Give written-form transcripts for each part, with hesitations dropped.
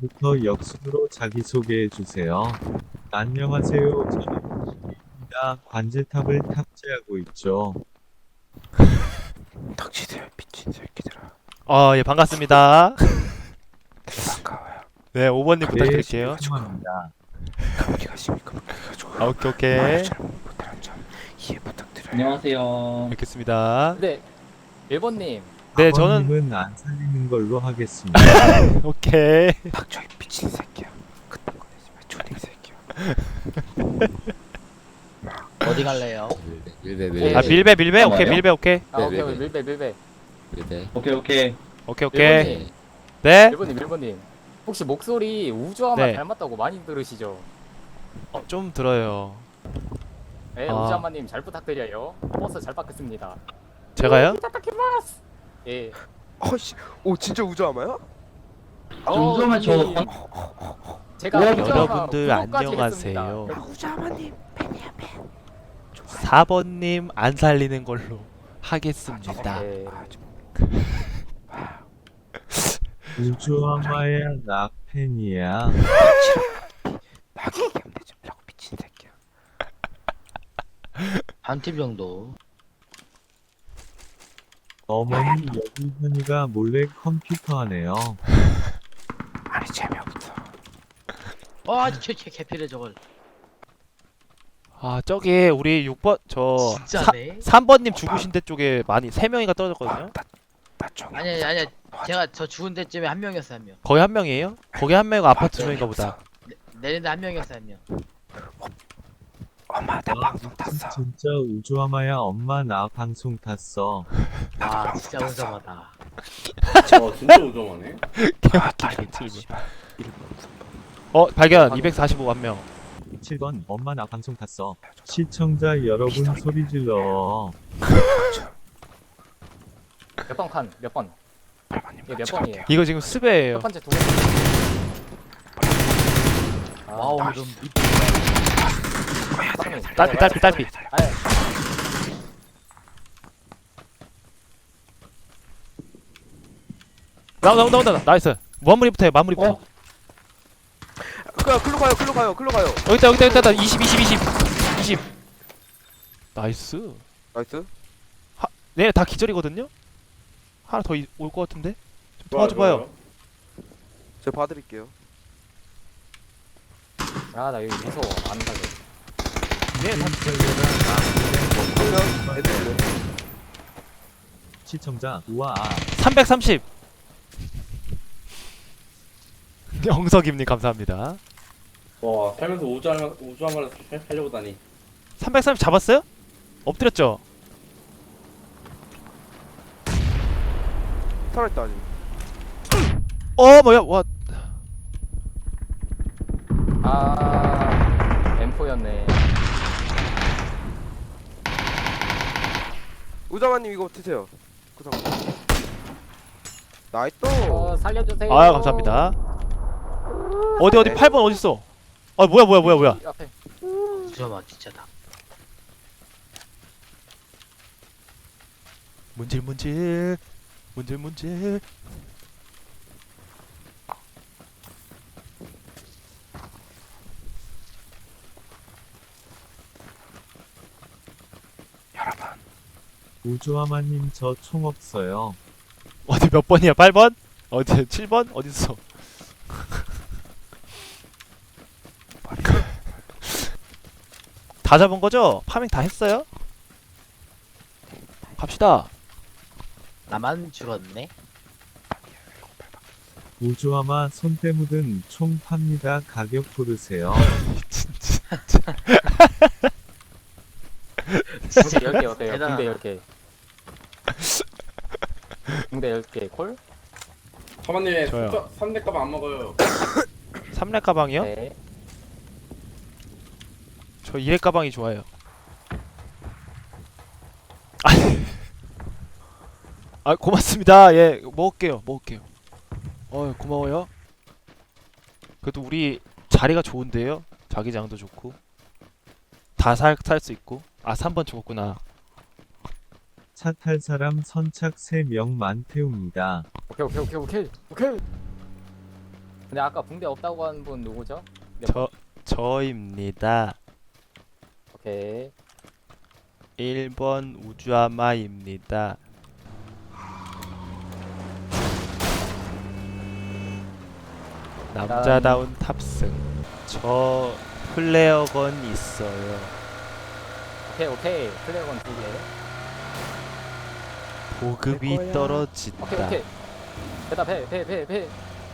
지금부터 역순으로 자기소개해주세요. 안녕하세요. 저는 입니다. 관제탑을 탑재하고 있죠. 덕지들 미친 새끼들아. 예, 반갑습니다. 반가워요. 네, 5번님 네, 부탁드릴게요. 죄송합니다. 어디 가십니까? 오케이. 말을 잘 못하는 점 이해 부탁드려요. 안녕하세요. 뵙겠습니다. 네, 1번님. 네, 저는 아버님은 안 살리는 걸로 하겠습니다. 오케이. 박정희 미친 새끼야. 그딴 거 내지 마. 초딩 새끼야. 어디 갈래요? 밀배. 아, 밀배. 오케이, 뭐예요? 밀배 오케이. 아, 오케이, 밀배. 오케이 오케이. 오케이. 네. 1번님. 혹시 목소리 우주아만 네. 닮았다고 많이 들으시죠? 좀 들어요. 네, 아. 우주아마님 잘 부탁드려요. 버스 잘 받겠습니다. 제가요? 부탁드리마스. 예. 어씨, 오 진짜 우주아마야? 우주아마 저 예. 제가 여러분들 구독까지 안녕하세요. 했습니다. 우주아마님. 4번님 안 살리는 걸로 하겠습니다. 네. 우주아마야 낙팬이야. 나게 얘기하면 되지 말라고 미친 새끼야. 한 팀 정도. 어머니 여기 현이가 몰래 컴퓨터 하네요. 아니 재미없어. 개피래 저걸. 저기 우리 6번 진짜네. 3번님 죽으신 데 쪽에 많이 3명이가 떨어졌거든요. 나 좀. 아니야. 제가 저 죽은 데쯤에 한 명이었어 한 명. 거기 한 명이에요? 거기 한 명이고 아파트 2명인가 보다. 내린데 한 명이었어 한 명. 엄마 나 방송 탔어. 진짜 우주아마야 엄마 나 방송 탔어. 와 진짜 운전하다. 진짜 우정하네. 아 딸린다. 씨발. 1번 3번. 발견 245 한 명. 7번 엄마 나 방송 탔어. 시청자 여러분 소리 질러. 몇 번? 8번님 예, 몇 번이에요? 이거 지금 첫 스베예요. 번째, 두 번째. 와우 좀 딸피. 아예. 나온다. 나이스. 마무리부터 해. 마무리부터. 글로 가요. 여기 있다. 20. 나이스. 나이스. 네, 다 기절이거든요. 하나 더 올 것 같은데. 좀 도와줘봐요. 제가 봐드릴게요. 아, 나 여기 무서워. 안 가게. 네, 다 그러면 애들 시청자 우와. 330. 영석임님 감사합니다. 와 살면서 우주아마를 살려고 다니. 330 잡았어요? 엎드렸죠? 살아있다 아직. 뭐야? 와, 아, M4였네. 우주아마님 이거 드세요. 구상. 나이스. 살려주세요. 감사합니다. 어디 8번 어디 있어? 뭐야? 이 앞에. 우주아마 진짜다. 문질. 여러분. 우주아마님 저 총 없어요. 어디 몇 번이야? 8번? 어디 7번? 어디 있어? 다 잡은 거죠? 파밍 다 했어요? 갑시다. 나만 죽었네. 우주아마 손때 묻은 총 팝니다. 가격 고르세요. 진짜. 혹시 10개 어때요? 대단하다. 붕대 10개. 붕대 10개 콜? 사모님 저요. 3대 값 안 먹어요. 3렙 가방이요? 네. 저 2렙 가방이 좋아요. 고맙습니다. 예, 먹을게요. 고마워요. 그래도 우리 자리가 좋은데요? 자기장도 좋고. 다 살 수 있고. 3번 죽었구나. 차 탈 사람 선착 3명만 태웁니다. 오케이. 근데 아까 붕대 없다고 한 분 누구죠? 저입니다. 오케이. 1번 우주아마입니다. 남자다운 탑승. 저 플레어건 있어요. 오케이. 플레어건 2개. 보급이 오케이. 떨어진다. 배다 배.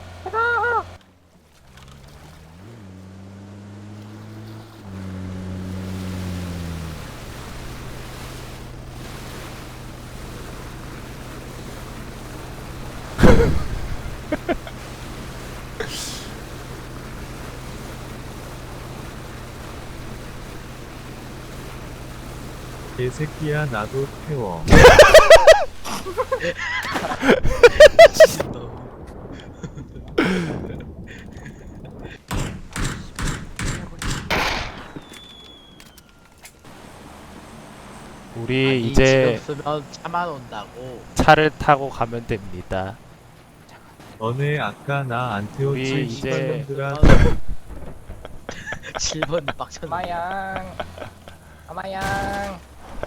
개새끼야 나도 태워. 우리 아니, 이제 지금 쓰면 차만 온다고. 차를 타고 가면 됩니다. 너네 아까 나 안 태웠지 우리 이제- 이년들아. 7번 빡쳤네. 아마양.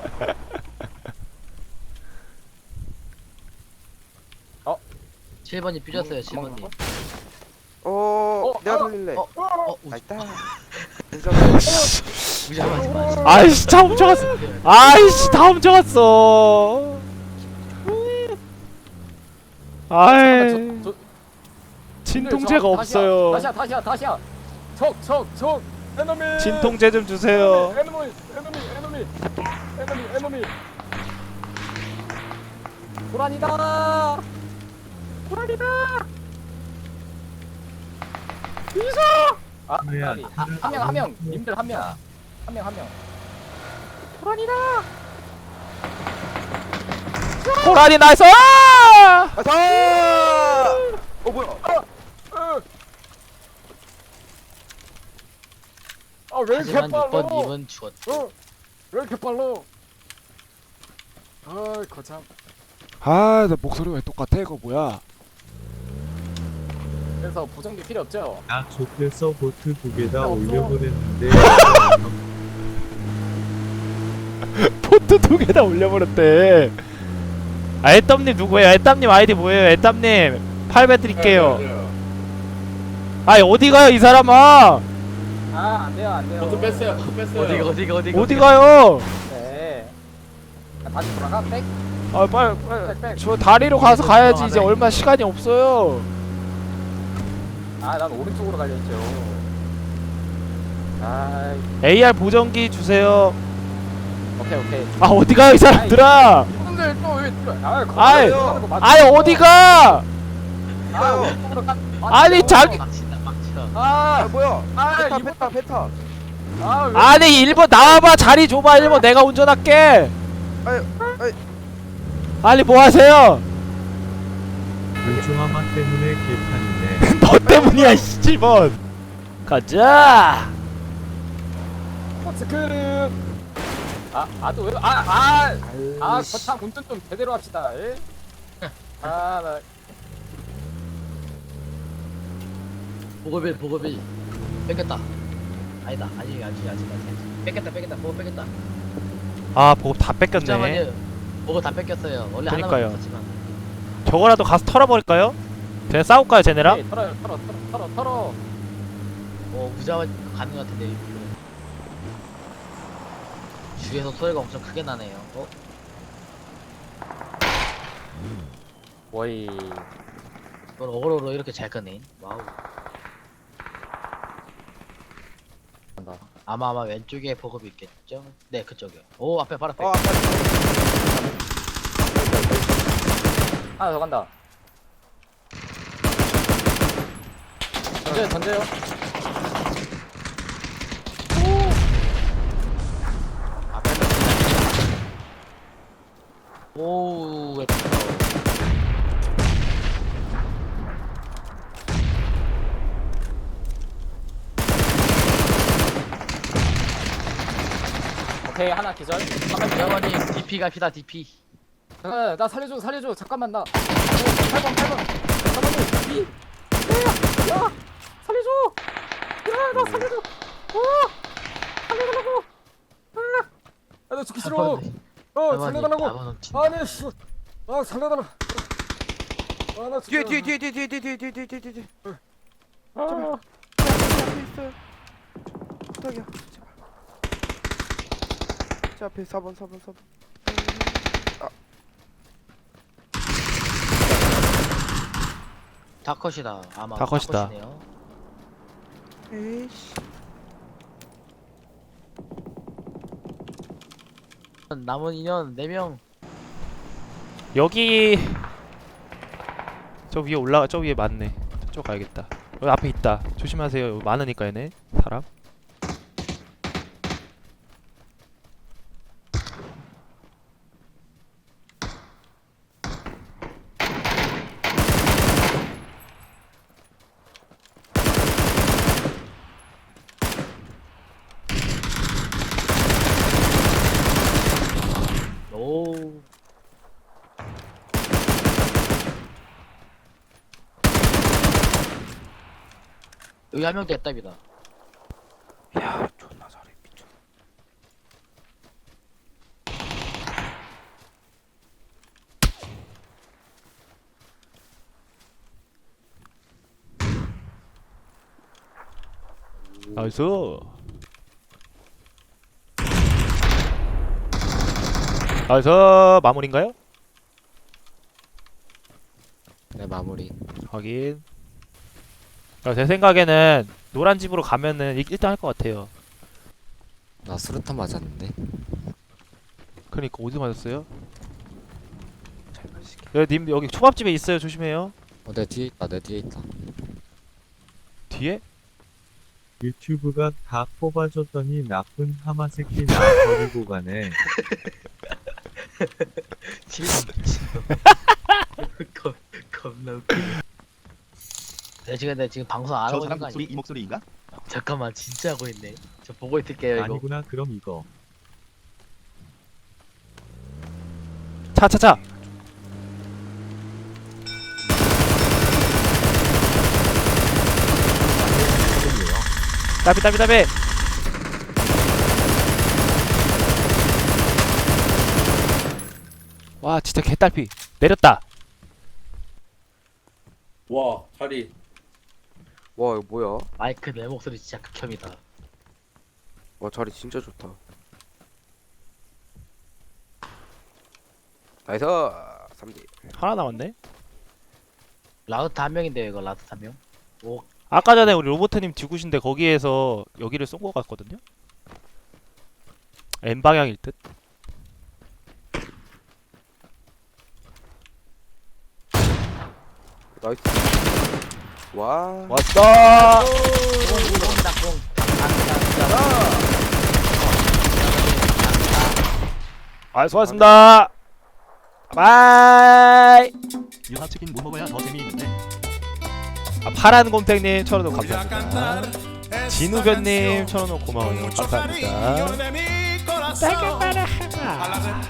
7번이 삐졌어요. 7번이. 내가 돌릴래. 있다. 나있다. 무시하지 마. 아이씨 다 훔쳐갔어. 아이씨 다 훔쳐갔어. 아이 진통제가 없어요. 다시야. 적. 에너미. 진통제 좀 주세요. 에너미. 고라니다. 뭐야, 한 명. 님들 한 명. 고라니 나이스! 가자. 뭐야? 왜 이렇게 하지만 빨라? 6번, 2번 죽었어. 왜 이렇게 빨라? 거참. 나 목소리 왜 똑같아? 이거 뭐야? 그래서 보정기 필요 없죠? 나 족대서 보트 2개다 없어. 올려보냈는데 포트 2개 다 올려버렸대. 애땀님 누구예요? 애땀님 아이디 뭐예요? 애땀님 8배 드릴게요. 아니 어디 가요 이 사람아? 안 돼요. 버튼 뺐어요. 어디가? 어디 가요? 네. 다시 돌아가. 백. 아 빨리 저 다리로 가서 가야지. 이제 얼마 시간이 없어요. 난 오른쪽으로 갈려있죠. AR 보정기 주세요. 오케이. 아 어디 가요 이 사람들아? 형들 또왜 아이, 아니 어디 가? 아니 자기 빡친다. 뭐야? 이번 페타. 아니 1번 나와봐. 자리 줘봐. 1번 내가 운전할게. 아이. 아니 뭐 하세요? 물중화마 때문에 개판이네. 너 때문이야 7번. 가자. 스크름. 거참 운전 좀 제대로 합시다. 예? 나 보급일. 뺏겼다. 아니다. 아직. 뺏겼다. 보급 뺏겼다. 아 보급 다 뺏겼네. 잠깐만요. 보급 다 뺏겼어요. 원래 그러니까요. 하나만 뺏겼지만. 저거라도 가서 털어버릴까요? 그냥 싸울까요 쟤네랑? 네, 털어. 무자와 가는 것 같은데. 주위에서 소리가 엄청 크게 나네요. 워이. 이걸 어그로로 이렇게 잘 끄네. 와우. 아마 왼쪽에 보급이 있겠죠? 네, 그쪽이요. 오, 앞에 바로 앞에. 하나 더 간다. 던져요. 오, 왜 오케이, 하나 기절. 대원님 DP 갑시다, DP. 나 살려줘. 잠깐만, 나. 8번. 4번님, 살려줘. 야, 나 살려줘. 살려달라고. 나 죽기 싫어. 살려달라고. 아니, 씨. 살려달라. 나 뒤에 죽기 뒤에 뒤에 뒤에 뒤에 뒤에 뒤에 뒤에 뒤에 뒤에. 아, 앞에 있어요. 부탁이야. 제발. 제 앞에 4번 4번 4번. 다컷이다. 아마 다컷이다. 다컷이네요. 에이씨. 남은 인연 4명. 여기 저 위에 올라가 저 위에 많네. 저쪽 가야겠다. 여기 앞에 있다. 조심하세요. 여기 많으니까 얘네 사람. 오. 여기 한 명 됐답니다. 야, 존나 잘해. 미쳐. 나이스. 나이스. 마무리인가요? 네, 마무리. 확인. 제 생각에는 노란 집으로 가면은 1등 할 것 같아요. 나 수류탄 맞았는데. 그러니까 어디 맞았어요? 잘 마실게. 님 여기 초밥집에 있어요. 조심해요. 내 뒤에 있다, 내 뒤에 있다. 뒤에? 유튜브가 다 뽑아줬더니 나쁜 하마 새끼 나 버리고 가네. 겁나 웃기네. 내가 지금 방송 안 하고 있는 거 아니야? 이 목소리인가? 잠깐만, 진짜 하고 있네. 저 보고 있을게요 이거. 아니구나 그럼 이거. 차. 따비. 와 진짜 개딸피. 내렸다. 와 자리. 와, 이거 뭐야? 마이크 내 목소리 진짜 극혐이다. 와, 자리 진짜 좋다. 나이스. 3대. 하나 남았네. 라우트 한 명인데요 이거. 라우트 한 명. 오. 아까 전에 우리 로보트님 뒤구신데 거기에서 여기를 쏜 것 같거든요. N 방향일 듯. 나이스. 와. 왔어. 공입니다 공. 아 수고하셨습니다. 바이. 유하치킨 못 먹어야 더 재미있는데. 파란 곰탱님 1,000원 감사합니다. 진우변님 1,000원 고마워요. 감사합니다.